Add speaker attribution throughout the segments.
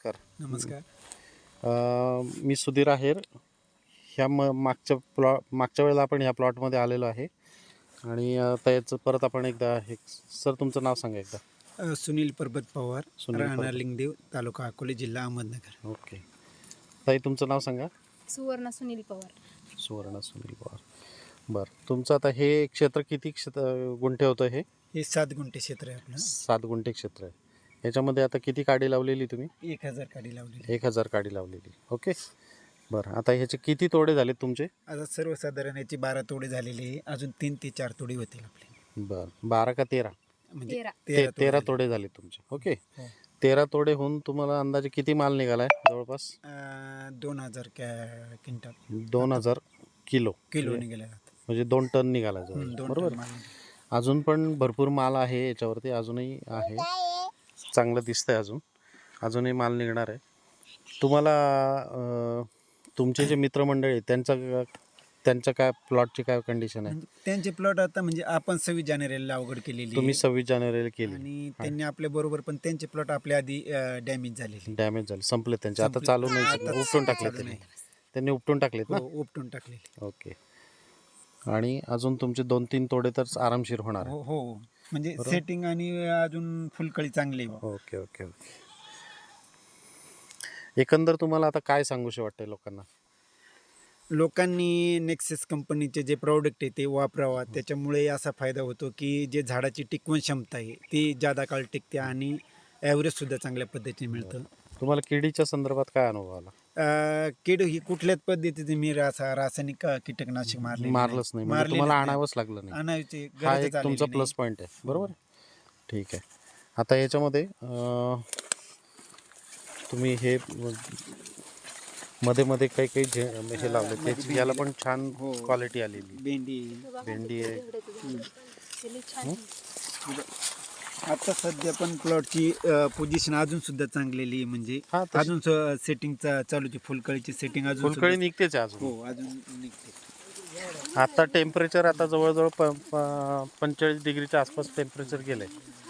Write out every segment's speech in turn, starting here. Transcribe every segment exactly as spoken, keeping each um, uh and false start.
Speaker 1: नमस्कार.
Speaker 2: नमस्कार.
Speaker 1: अ, मी सुधीर आहेर. ह्या म मागच्या प्लॉ मागच्या वेळेला आपण ह्या प्लॉटमध्ये आलेलो आहे आणि अ, त्याचं परत आपण एकदा हे सर तुमचं नाव सांगा एकदा.
Speaker 2: अ, सुनील परबत पवार,
Speaker 1: सुनील
Speaker 2: राहणार
Speaker 1: परबत.
Speaker 2: लिंगदेव, तालुका अकोले, जिल्हा अहमदनगर.
Speaker 1: ओके. ताई तुमचं नाव सांगा.
Speaker 3: सुवर्ण सुनील पवार.
Speaker 1: सुवर्ण सुनील पवार. बरं, तुमचं आता हे क्षेत्र किती क्षेत्र गुंठे होतं? हे
Speaker 2: हे सात गुंठे क्षेत्र आहे आपलं.
Speaker 1: सात गुंठे क्षेत्र आहे. याच्यामध्ये आता किती काडी लावलेली तुम्ही?
Speaker 2: एक हजार काडी लावलेली.
Speaker 1: एक हजार काडी लावलेली. ओके. बरं, आता ह्याचे किती तोडे झालेत तुमचे?
Speaker 2: आता सर्वसाधारण याची बारा तोडे झालेली आहे. अजून तीन ते चार तोडे होतील आपले.
Speaker 1: बरं, बारा का तेरा?
Speaker 2: म्हणजे
Speaker 3: तेरा.
Speaker 1: ते
Speaker 2: तेरा
Speaker 1: तेरा
Speaker 2: तोडे
Speaker 1: तोडे झाले तुमचे. ओके.
Speaker 2: हो.
Speaker 1: तेरा तोडे होऊन तुम्हाला अंदाजे किती माल निघालाय जवळपास?
Speaker 2: अ, दोन हजार कॅ क्विंटल
Speaker 1: दोन हजार किलो
Speaker 2: किलो
Speaker 1: म्हणजे-
Speaker 2: निघाले आता.
Speaker 1: म्हणजे दोन टन निघाला
Speaker 2: हं,
Speaker 1: जवळ,
Speaker 2: दोन
Speaker 1: बरोबर.
Speaker 2: टन माल निघाला.
Speaker 1: अजून पण भरपूर माल आहे याच्यावरती, अजूनही आहे, चांगलं दिसतंय. अजून अजूनही माल निघणार आहे तुम्हाला. अं, तुमचे जे मित्रमंडळी आहेत, त्यांचा त्यांच्या काय प्लॉटची काय कंडिशन आहे?
Speaker 2: म्हणजे त्यांचे प्लॉट आता म्हणजे आपण सव्वीस जानेवारीला लागवड केलेली
Speaker 1: तुम्ही
Speaker 2: आहे.
Speaker 1: सव्वीस जानेवारीला केली
Speaker 2: आणि त्यांनी आपल्या बरोबर पण त्यांचे प्लॉट आपल्या आधी डॅमेज झालेले.
Speaker 1: डॅमेज झाले, संपले त्यांचे, आता
Speaker 2: संपले.
Speaker 1: चालू नाही,
Speaker 2: आता
Speaker 1: उपटून टाकले
Speaker 2: चालू
Speaker 1: त्यांनी
Speaker 2: नाही.
Speaker 1: त्यांनी उपटून टाकलेत ना.
Speaker 2: हो, उपटून टाकलेले.
Speaker 1: ओके. आणि अजून तुमचे दोन तीन तोडे तर आरामशीर होणार आहे.
Speaker 2: हो हो, म्हणजे
Speaker 1: बरोबर.
Speaker 2: सेटिंग आणि अजून फुलकळी चांगली आहे बा.
Speaker 1: Okay okay okay. एकंदर तुम्हाला आता काय सांगूशी वाटतंय लोकांना?
Speaker 2: लोकांनी नेक्सेस कंपनीचे जे प्रॉडक्ट आहे ते वापरावा. त्याच्यामुळे असा फायदा होतो की जे झाडाची टिकवण क्षमता आहे ती जादा काळ टिकते आणि ॲव्हरेज सुद्धा चांगल्या पद्धतीने मिळतं.
Speaker 1: तुम्हाला किडीच्या संदर्भात काय अनुभव आला?
Speaker 2: अं, कीड ही कुठल्याच पद्धतीने मी रासा रासायनिक अं, कीटकनाशक मारले
Speaker 1: मारलंच नाही म्हणजे तुम्हाला आणावंच लागलं नाही.
Speaker 2: आणायची
Speaker 1: हा
Speaker 2: गरज
Speaker 1: एक तुमचा प्लस पॉईंट आहे, बरोबर. ठीक आहे. आता याच्यामध्ये अं, तुम्ही हे मध्ये मध्ये काही काही जे हे लावले त्याची याला पण छान
Speaker 2: हो.
Speaker 1: क्वालिटी आलेली.
Speaker 2: भेंडी.
Speaker 1: भेंडी आहे.
Speaker 2: आता सध्या पण प्लॉटची पोझिशन अजून सुद्धा चांगलेली आहे. म्हणजे
Speaker 1: हा, तशी-
Speaker 2: अजून सेटिंगचा चालूची फुलकळीची सेटिंग अजून
Speaker 1: फुलकळी
Speaker 2: सुद्धा-
Speaker 1: निघतेच आहे अजून.
Speaker 2: हो, अजून निघते.
Speaker 1: आता टेम्परेचर आता जवळजवळ प प- पंचेचाळीस डिग्रीच्या आसपास टेम्परेचर गेलंय.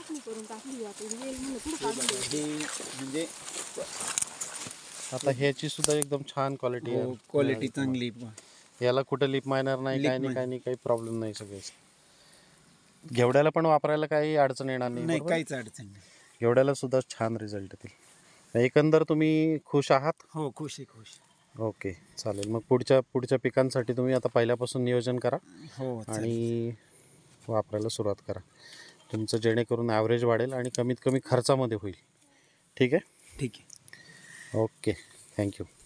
Speaker 2: हे म्हणजे
Speaker 1: आता ह्याची सुद्धा एकदम छान क्वालिटी आहे.
Speaker 2: क्वालिटी चांगली आहे.
Speaker 1: याला कुठं लिप मायनर नाही,
Speaker 2: Lip
Speaker 1: काय नाही,
Speaker 2: miner.
Speaker 1: काय नाही, काही प्रॉब्लेम नाही. सगळेच घेवड्याला पण वापरायला काही अडचण येणार नाही,
Speaker 2: नाही,
Speaker 1: बरोबर?
Speaker 2: काहीच अडचण नाही.
Speaker 1: घेवड्याला सुद्धा छान रिझल्ट येतील. एकंदर तुम्ही खुश आहात?
Speaker 2: हो, खुश आहे, खुश.
Speaker 1: ओके, चालेल. मग पुढच्या पुढच्या पिकांसाठी तुम्ही आता पहिल्यापासून नियोजन करा
Speaker 2: हो, चालेल.
Speaker 1: आणि वापरायला सुरुवात करा. तुमचं जेणेकरून ॲव्हरेज वाढेल आणि कमीत कमी खर्चामध्ये होईल. ठीक आहे.
Speaker 2: ठीक आहे.
Speaker 1: Okay, thank you.